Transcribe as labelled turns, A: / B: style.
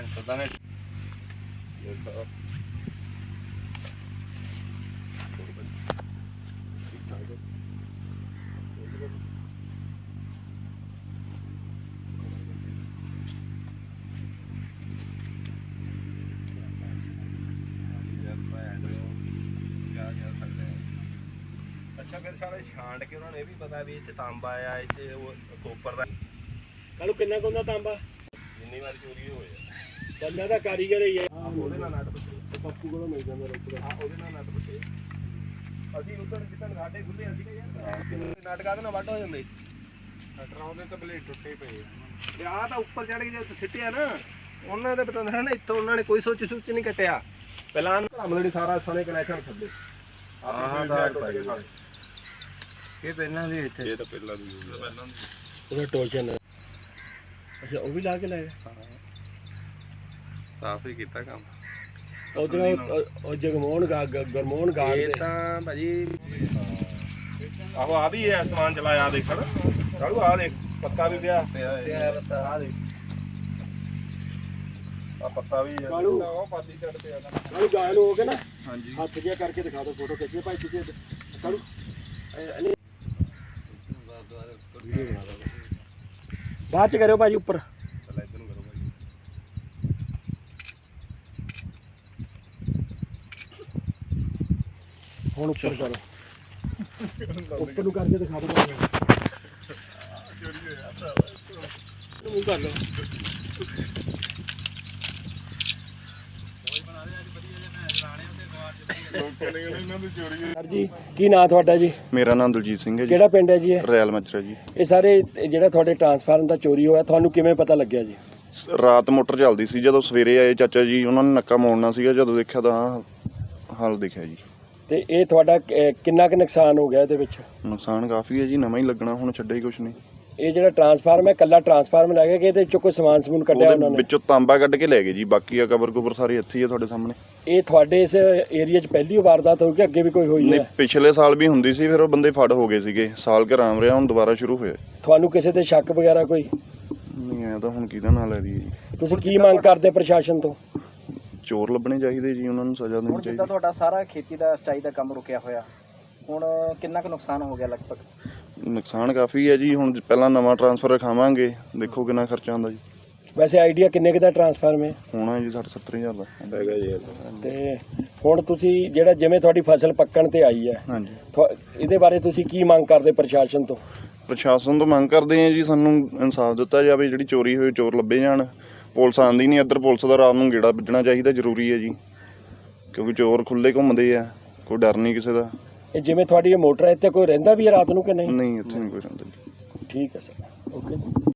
A: ਪਤਾ ਨਹੀਂ ਅੱਛਾ ਫਿਰ ਸਾਰੇ ਛਾਂਟ ਕੇ ਉਹਨਾਂ ਨੇ ਇਹ ਵੀ ਪਤਾ ਵੀ ਇਹ 'ਚ ਤਾਂਬਾ ਆ ਇਹ 'ਚ ਉਹ ਕੋਪਰ ਦਾ
B: ਕੱਲੂ ਕਿੰਨਾ ਕੁ ਹੁੰਦਾ ਤਾਂਬਾ
A: ਜਿੰਨੀ ਵਾਰ ਚੋਰੀ ਹੋਏ
B: ਬੰਦਾ ਤਾਂ ਕਾਰੀਗਰ ਹੀ ਹੈ।
A: ਉਹਦੇ ਨਾਲ ਨੱਟ ਬੱਟੇ
B: ਪੱਪੂ ਕੋਲੋਂ ਮਿਲ ਜਾਂਦਾ ਰੋਪੜ।
A: ਉਹਦੇ ਨਾਲ ਨੱਟ ਬੱਟੇ ਅਸੀਂ ਉੱਧਰ ਜਿੱਦਣ ਸਾਡੇ ਖੁੱਲੇ ਅਸੀਂ ਯਾਰ ਨਾਟਕਾਂ ਦੇ ਨਾਲ ਵੱਢ ਹੋ ਜਾਂਦੇ ਟਰਾਉ ਦੇ ਤਾਂ ਬਲੇਡ ਟੁੱਟੇ ਪਏ ਆ ਆਹ ਤਾਂ ਉੱਪਰ ਚੜ ਕੇ ਜੇ ਸਿੱਟਿਆ ਨਾ ਉਹਨਾਂ ਦੇ ਪਤਾ ਨਾ ਇੱਥੋਂ ਉਹਨਾਂ ਨੇ ਕੋਈ ਸੋਚ ਨਹੀਂ ਕੱਟਿਆ ਪਹਿਲਾਂ ਹਮਲੜੀ ਸਾਰਾ ਸਣੇ ਕਨੈਕਸ਼ਨ ਥੱਲੇ ਆਹ ਦਾ ਇਹ ਪਹਿਲਾਂ ਦੀ ਇੱਥੇ ਇਹ ਤਾਂ ਪਹਿਲਾਂ ਦੀ
B: ਉਹਦਾ ਟੋਚਨ ਅੱਛਾ ਉਹ ਵੀ ਲਾ ਕੇ ਲਾਇਆ
A: ਸਾਫ ਹੀ ਕੀਤਾ ਕੰਮ
B: ਉਧਰ ਉਹ ਜਗਮੋਹਨ ਗਰਮੋਹਨ ਗਾਰਡ
A: ਇਹ ਤਾਂ ਭਾਜੀ ਆਹੋ ਆ ਵੀ ਹੈ ਸਮਾਨ ਚਲਾਇਆ ਦੇਖਣ ਕਾਲੂ ਆ ਦੇਖ ਪੱਤਾ ਵੀ ਪਿਆ ਪੱਤਾ ਆ ਦੇਖ ਆ ਪੱਤਾ ਵੀ ਹੈ
B: ਕਾਲੂ
A: ਉਹ ਪਾਦੀ ਸਾਈਡ ਤੇ ਆ
B: ਕਾਲੂ ਗਾਇਲ ਹੋ ਕੇ ਨਾ
A: ਹਾਂਜੀ
B: ਹੱਥ ਜਿਹਾ ਕਰਕੇ ਦਿਖਾ ਦਿਓ ਫੋਟੋ ਖਿੱਚੀਏ ਭਾਈ ਤੁਸੀਂ ਕਾਲੂ ਬਾਅਦ ਚ ਕਰਿਓ ਭਾਜੀ ਉੱਪਰ
A: ਪਹਿਲਾਂ ਇੱਧਰ ਨੂੰ ਕਰੋ ਭਾਜੀ
B: ਹੁਣ ਉੱਪਰ ਕਰੋ ਉੱਪਰ ਨੂੰ ਕਰਕੇ ਦਿਖਾ ਦਿਓ ਭਾਜੀ ਮੂੰਹ ਕਰ ਲਓ ਸਰ ਜੀ ਕੀ ਨਾਂ ਤੁਹਾਡਾ ਜੀ?
C: ਮੇਰਾ ਨਾਮ ਦਲਜੀਤ ਸਿੰਘ ਹੈ ਜੀ।
B: ਕਿਹੜਾ ਪਿੰਡ ਹੈ ਜੀ ਇਹ?
C: ਰੈਲ ਮਚਰਾ ਜੀ।
B: ਇਹ ਸਾਰੇ ਜਿਹੜਾ ਤੁਹਾਡੇ ਟਰਾਂਸਫਾਰਮ ਦਾ ਚੋਰੀ ਹੋਇਆ ਤੁਹਾਨੂੰ ਕਿਵੇਂ ਪਤਾ ਲੱਗਿਆ ਜੀ?
C: ਰਾਤ ਮੋਟਰ ਚੱਲਦੀ ਸੀ, ਜਦੋਂ ਸਵੇਰੇ ਆਏ ਚਾਚਾ ਜੀ ਉਹਨਾਂ ਨੇ ਨੱਕਾ ਮੋੜਨਾ ਸੀਗਾ, ਜਦੋਂ ਦੇਖਿਆ ਤਾਂ ਹਾਲ ਦਿਖਿਆ ਜੀ।
B: ਤੇ ਇਹ ਤੁਹਾਡਾ ਕਿੰਨਾ ਕੁ ਨੁਕਸਾਨ ਹੋ ਗਿਆ ਇਹਦੇ ਵਿੱਚ?
C: ਨੁਕਸਾਨ ਕਾਫੀ ਹੈ ਜੀ, ਨਵਾਂ ਹੀ ਲੱਗਣਾ, ਹੁਣ ਛੱਡਿਆ ਹੀ ਕੁਛ ਨਹੀਂ।
B: ਇਹ ਜਿਹੜਾ ਟਰਾਂਸਫਾਰਮ ਹੈ ਕੱਲਾ ਟਰਾਂਸਫਾਰਮ ਲੈ ਗਏ ਕਿ ਇਹਦੇ ਵਿੱਚੋਂ ਕੋਈ ਸਮਾਨ ਸਮੂਨ ਕੱਢਿਆ ਉਹਨਾਂ
C: ਉਹਦੇ
B: ਨੇ?
C: ਵਿੱਚੋਂ ਤਾਂਬਾ ਕੱਢ ਕੇ ਲੈ ਗਏ ਜੀ, ਬਾਕੀ ਆ ਕਵਰ ਕੁਵਰ ਸਾਰੇ ਇੱਥੇ ਹੀ ਆ ਤੁਹਾਡੇ ਸਾਹਮਣੇ।
B: ਇਹ ਤੁਹਾਡੇ ਇਸ ਏਰੀਆ 'ਚ ਪਹਿਲੀ ਵਾਰਦਾਤ ਹੋਈ ਕਿ ਅੱਗੇ ਵੀ ਕੋਈ ਹੋਈ
C: ਨਹੀਂ,
B: ਹੈ?
C: ਪਿਛਲੇ ਸਾਲ ਵੀ ਹੁੰਦੀ ਸੀ, ਫਿਰ ਉਹ ਬੰਦੇ ਫੜ ਹੋ ਗਏ ਸੀਗੇ, ਸਾਲ ਘਰ ਆਮ ਰਿਹਾ, ਹੁਣ ਦੁਬਾਰਾ ਸ਼ੁਰੂ ਹੋਇਆ।
B: ਤੁਹਾਨੂੰ ਕਿਸੇ ਤੇ ਸ਼ੱਕ ਵਗੈਰਾ ਕੋਈ?
C: ਨਹੀਂ ਆਇਆ ਤਾਂ ਹੁਣ ਕਿਹਦਾ ਨਾਂ ਲੈ ਦਈਏ ਜੀ।
B: ਤੁਸੀਂ ਕੀ ਮੰਗ ਕਰਦੇ ਪ੍ਰਸ਼ਾਸਨ ਤੋਂ?
C: ਚੋਰ ਲੱਭਣੇ ਚਾਹੀਦੇ ਜੀ, ਉਹਨਾਂ ਨੂੰ ਸਜ਼ਾ ਦੇਣੀ
D: ਹੁਣ
C: ਚਾਹੀਦੀ।
D: ਜਿੱਦਾਂ ਤੁਹਾਡਾ ਸਾਰਾ ਖੇਤੀ ਦਾ ਸਿੰਚਾਈ ਦਾ ਕੰਮ ਰੁਕਿਆ ਹੋਇਆ, ਹੁਣ ਕਿੰਨਾ ਕੁ ਨੁਕਸਾਨ ਹੋ ਗਿਆ ਲਗਭਗ?
C: ਨੁਕਸਾਨ ਕਾਫੀ ਹੈ ਜੀ, ਹੁਣ ਪਹਿਲਾਂ ਨਵਾਂ ਟਰਾਂਸਫਰ ਰਖਾਵਾਂਗੇ, ਦੇਖੋ ਕਿੰਨਾ ਖਰਚਾ ਆਉਂਦਾ ਜੀ।
B: ਵੈਸੇ ਆਈਡੀਆ ਕਿੰਨੇ ਕੁ ਦਾ ਟਰਾਂਸਫਾਰਮ ਹੈ?
C: ਹੋਣਾ ਜੀ 60-70 ਹਜ਼ਾਰ ਦਾ ਹੈਗਾ ਜੀ।
B: ਤੇ ਹੁਣ ਤੁਸੀਂ ਜਿਹੜਾ ਜਿਵੇਂ ਤੁਹਾਡੀ ਫਸਲ ਪੱਕਣ ਤੇ ਆਈ ਹੈ,
C: ਹਾਂਜੀ,
B: ਇਹਦੇ ਬਾਰੇ ਤੁਸੀਂ ਕੀ ਮੰਗ ਕਰਦੇ ਪ੍ਰਸ਼ਾਸਨ ਤੋਂ?
C: ਪ੍ਰਸ਼ਾਸਨ ਤੋਂ ਮੰਗ ਕਰਦੇ ਹਾਂ ਜੀ, ਸਾਨੂੰ ਇਨਸਾਫ ਦਿੱਤਾ ਜਾਵੇ, ਜਿਹੜੀ ਚੋਰੀ ਹੋਈ ਚੋਰ ਲੱਭੇ ਜਾਣ। ਪੁਲਿਸ ਆਉਂਦੀ ਨਹੀਂ ਇੱਧਰ, ਪੁਲਿਸ ਦਾ ਰਾਤ ਨੂੰ ਗੇੜਾ ਵੱਜਣਾ ਚਾਹੀਦਾ, ਜ਼ਰੂਰੀ ਹੈ ਜੀ, ਕਿਉਂਕਿ ਚੋਰ ਖੁੱਲੇ ਘੁੰਮਦੇ ਆ, ਕੋਈ ਡਰ ਨਹੀਂ ਕਿਸੇ ਦਾ।
B: ਇਹ ਜਿਵੇਂ ਤੁਹਾਡੀ ਇਹ ਮੋਟਰ ਹੈ ਇੱਥੇ ਕੋਈ ਰਹਿੰਦਾ ਵੀ ਹੈ ਰਾਤ ਨੂੰ ਕਿ ਨਹੀਂ?
C: ਨਹੀਂ, ਇੱਥੇ ਨਹੀਂ ਕੋਈ ਰਹਿੰਦਾ ਜੀ।
B: ਠੀਕ ਹੈ ਸਰ, ਓਕੇ।